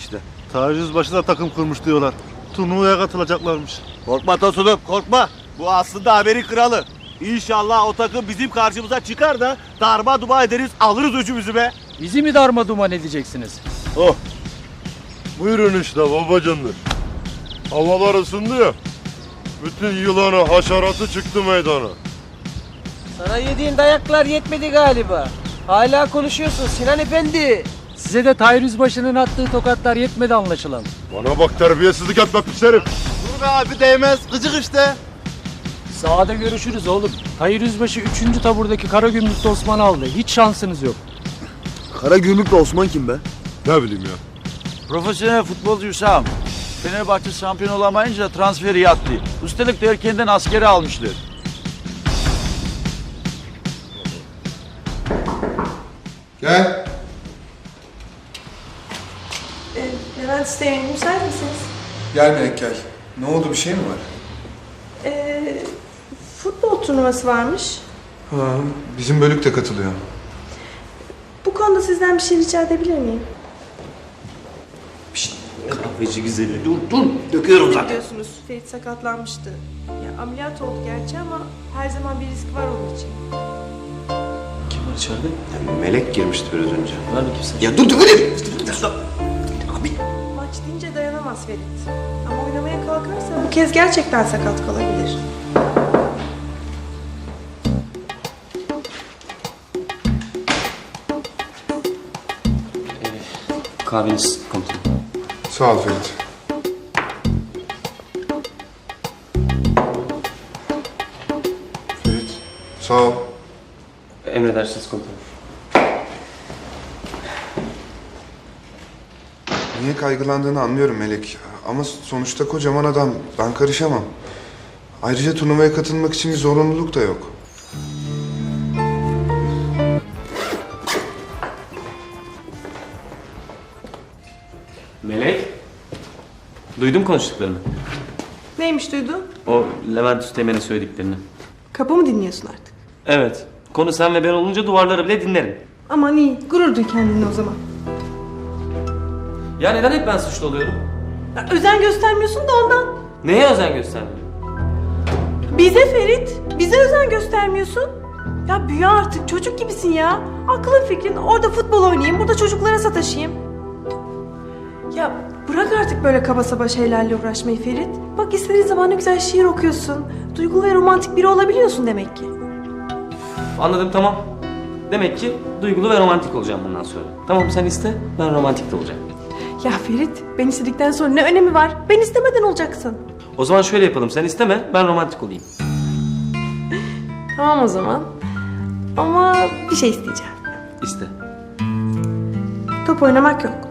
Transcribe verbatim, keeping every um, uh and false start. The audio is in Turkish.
işte. Taciz başı da takım kurmuş diyorlar. Turnuvaya katılacaklarmış. Korkma Tosun'um korkma. Bu aslında haberin kralı. İnşallah o takım bizim karşımıza çıkar da darma duman ederiz, alırız öcümüzü be. Bizi mi darma duman edeceksiniz? Oh. Buyurun işte babacanlar. Havalar ısındı ya. Bütün yılanı, haşeratı çıktı meydana. Sana yediğin dayaklar yetmedi galiba. Hala konuşuyorsun Sinan Efendi. Size de Tahir Yüzbaşı'nın attığı tokatlar yetmedi anlaşılan. Bana bak, terbiyesizlik etme pis herif. Dur be abi, değmez. Gıcık işte. Sahada görüşürüz oğlum. Tahir Yüzbaşı üçüncü taburdaki Karagümrük'te Osman'ı aldı. Hiç şansınız yok. Karagümrük'le Osman kim be? Ne bileyim ya. Profesyonel futbolcu Hüsam. Fenerbahçe şampiyon olamayınca transferi yattı. Üstelik de erkenden askeri almışlar. Gel. Ee, Levent Üsteğmen, müsait misiniz? Gel Melek gel. Ne oldu, bir şey mi var? Ee, futbol turnuvası varmış. Ha, bizim bölük de katılıyor. Bu konuda sizden bir şey rica edebilir miyim? Kahveci güzeli dur dur. Döküyorum zaten. Biliyorsunuz Ferit sakatlanmıştı. Ya, ameliyat oldu gerçi ama her zaman bir risk var onun için. Kim var içeride? Melek girmişti biraz önce. Ver bakayım sen. Ya dur dur dur. Abi. Maç deyince dayanamaz Ferit. Ama oynamaya kalkarsa bu kez gerçekten sakat kalabilir. Kahveniz komutanım. Sağ ol Ferit. Ferit, sağ ol. Emredersiniz komutanım. Niye kaygılandığını anlıyorum Melek. Ama sonuçta kocaman adam. Ben karışamam. Ayrıca turnuvaya katılmak için bir zorunluluk da yok. Melek. Duydum konuştuklarını. Neymiş duydun? O Levent Üsteğmen'e söylediklerini. Kapı mı dinliyorsun artık? Evet. Konu sen ve ben olunca duvarları bile dinlerim. Aman iyi, gurur duy kendinle o zaman. Ya neden hep ben suçlu oluyorum? Ya, özen göstermiyorsun da ondan. Neye özen göstermiyorum? Bize Ferit, bize özen göstermiyorsun. Ya büyü artık, çocuk gibisin ya. Aklın fikrin orada futbol oynayayım, burada çocuklara sataşayım. Ya bırak artık böyle kaba saba şeylerle uğraşmayı Ferit. Bak istediğin zaman ne güzel şiir okuyorsun. Duygulu ve romantik biri olabiliyorsun demek ki. Anladım, tamam. Demek ki duygulu ve romantik olacağım bundan sonra. Tamam, sen iste, ben romantik de olacağım. Ya Ferit, ben istedikten sonra ne önemi var? Ben istemeden olacaksın. O zaman şöyle yapalım, sen isteme, ben romantik olayım. Tamam o zaman. Ama bir şey isteyeceğim. İste. Top oynamak yok.